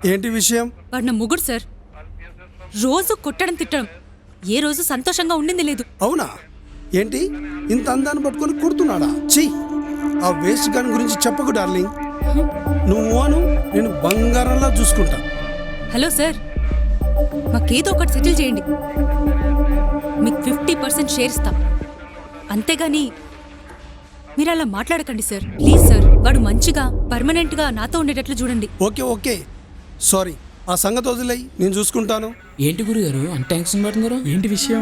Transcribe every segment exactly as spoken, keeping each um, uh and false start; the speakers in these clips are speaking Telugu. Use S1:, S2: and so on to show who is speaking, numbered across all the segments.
S1: ఏంటి విషయం?
S2: వాడు నా ముగ్గురు సార్. రోజు కొట్టడం తిట్టడం, ఏ రోజు సంతోషంగా ఉండింది లేదు.
S1: అవునా? ఏంటి ఇంత అందాన్ని పట్టుకొని కొడుతున్నాడా? ఛీ, ఆ వేస్ట్ గాని గురించి చెప్పకు డార్లింగ్. నువ్వు అను, నేను బంగారంలా చూసుకుంటా.
S2: హలో సార్, మాకేదో ఒకటి సెటిల్ చేయండి. మీకు ఫిఫ్టీ పర్సెంట్ షేర్ ఇస్తాం, అంతేగాని మీరు అలా మాట్లాడకండి సార్. ప్లీజ్ సార్, వాడు మంచిగా పర్మనెంట్గా నాతో ఉండేటట్లు చూడండి.
S1: Okay okay, sorry. ఆ సంగతి వదిలేయి, నేను చూసుకుంటాను.
S3: ఏంటి గురుగారు అంత టెన్షన్ పడుతున్నారు?
S4: ఏంటి విషయం?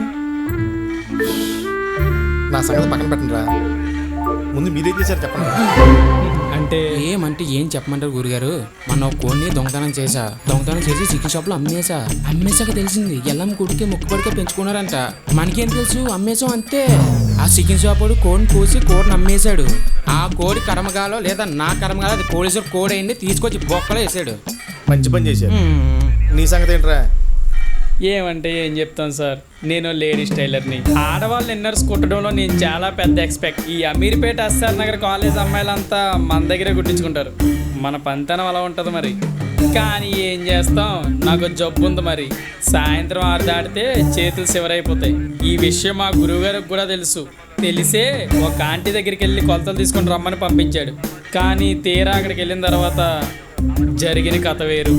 S5: నా సంగతి పక్కన పెట్టండి రా, ముందు మీరేం చేశారు చెప్పండి.
S4: అంటే
S3: ఏమంటే ఏం చెప్పమంటారు గురుగారు? మన కోడిని దొంగతనం చేసా, దొంగతనం చేసి చికెన్ షాప్ లో అమ్మేసా. అమ్మేసాక తెలిసింది ఎల్లం కొడుకే ముక్కుపడికే పెంచుకున్నారంట. మనకేం తెలుసు, అమ్మేసాం అంతే. ఆ చికెన్ షాప్ వాడు కోడిని కోసి కోడిని అమ్మేశాడు. ఆ కోడి కర్మగాలో లేదా నా కర్మగాలో అది పోలీసులు కోడి అయింది, తీసుకొచ్చి బొక్కలో వేసాడు.
S5: మంచి పని చేశారు. నీ సంగతి ఏంట్రా?
S4: ఏమంటే ఏం చెప్తాను సార్, నేను లేడీస్ టైలర్ని. ఆడవాళ్ళు ఇన్నర్స్ కుట్టడంలో నేను చాలా పెద్ద ఎక్స్పెక్ట్. ఈ అమీర్పేట ఎస్ఆర్ నగర్ కాలేజ్ అమ్మాయిలంతా మన దగ్గరే కుట్టించుకుంటారు. మన పంతనం అలా ఉంటుంది మరి. కానీ ఏం చేస్తాం, నాకు జబ్బు ఉంది మరి. సాయంత్రం ఆరు దాటితే చేతులు శివరైపోతాయి. ఈ విషయం మా గురువుగారికి కూడా తెలుసు. తెలిసే ఒక ఆంటీ దగ్గరికి వెళ్ళి కొలతలు తీసుకొని రమ్మని పంపించాడు. కానీ తీరా అక్కడికి వెళ్ళిన తర్వాత జరిగిన కథ వేరు.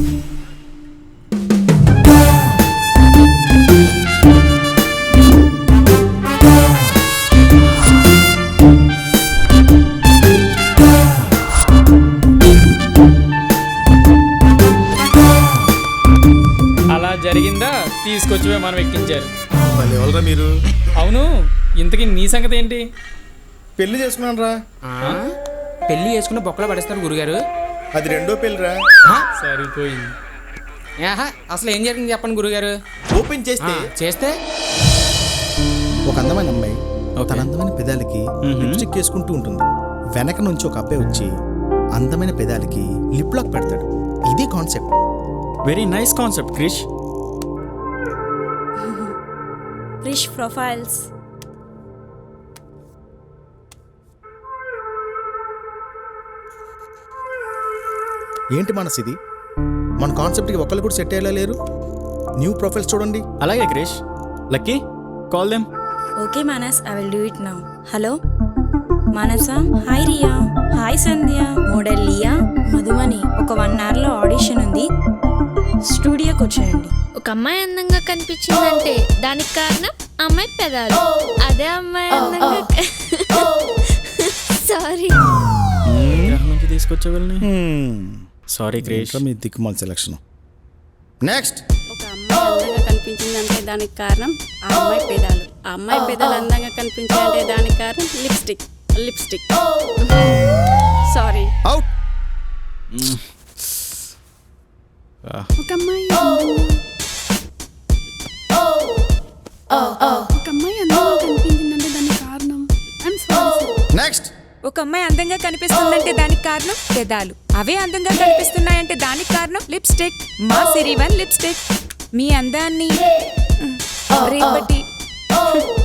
S4: అలా జరిగిందా తీసుకొచ్చి మనం ఎక్కించారు.
S5: మళ్ళీ ఎవరురా మీరు?
S4: అవును, ఇంతకీ నీ సంగతి ఏంటి?
S5: పెళ్లి చేసుకున్నాను రా.
S3: పెళ్లి చేసుకున్న బొక్కలో పడేస్తారు గురుగారు.
S5: అది రెండో పెళ్లిరా.
S4: సరిపోయింది.
S3: ఆహా, అసలు ఏం జరిగింది చెప్పండి గురుగారు.
S5: ఓపెన్ చేస్తే
S3: చేస్తే
S5: ఒక అందమైన అమ్మాయి తన అందమైన పెదాలకి లిప్స్టిక్ వేసుకుంటూ ఉంటుంది. వెనక నుంచి ఒక అబ్బాయి వచ్చి అందమైన పెదాలకి లిప్ లాక్ పెడతాడు. ఇదే concept.
S6: Very nice concept Krish.
S7: Krish profiles.
S5: ఏంటి మనసు ఇది? మన కాన్సెప్ట్కి ఒకళ్ళు కూడా సెట్ అయ్యేలా లేరు. న్యూ ప్రొఫైల్స్ చూడండి.
S6: అలాగే Krish. Lucky, call them.
S7: Okay Manas, I will do it now. Hello Manasa. Hi Riya. Hi Sandhya. Model Liya. Madhumani. ఒక వన్ అవర్లో ఆడిషన్ ఉంది, స్టూడియోకి వచ్చేయండి.
S8: ఒక అమ్మాయి అందంగా కనిపించిందంటే దానికి కారణం అమ్మాయి పెదాలు. అదే అమ్మాయి అందంగా సారీ
S6: గ్రహం నుంచి తీసుకొచ్చేవాళ్ళని. సారీ క్రిష్.
S5: మీ దిక్కుమాల సెలక్షన్. నెక్స్ట్.
S9: ఒక అమ్మాయి అందంగా కనిపించిందంటే దానికి కారణం ఆ అమ్మాయి పెదాలు. ఆ అమ్మాయి పెదాలు అందంగా కనిపించాయంటే దానికి కారణం లిప్స్టిక్. Lipstick sorry.
S5: అవుట్.
S9: ఒక అమ్మాయి ఒక అమ్మాయి అందంగా కనిపించిందంటే దానికి కారణం ఐమ్ సారీ.
S5: నెక్స్ట్.
S2: ఒక అమ్మాయి అందంగా కనిపిస్తుందంటే దానికి కారణం పెదాలు. అవే అందంగా కనిపిస్తున్నాయంటే దానికి కారణం లిప్స్టిక్. మా సిరి వన్ లిప్స్టిక్. మీ అందాన్ని రేపటి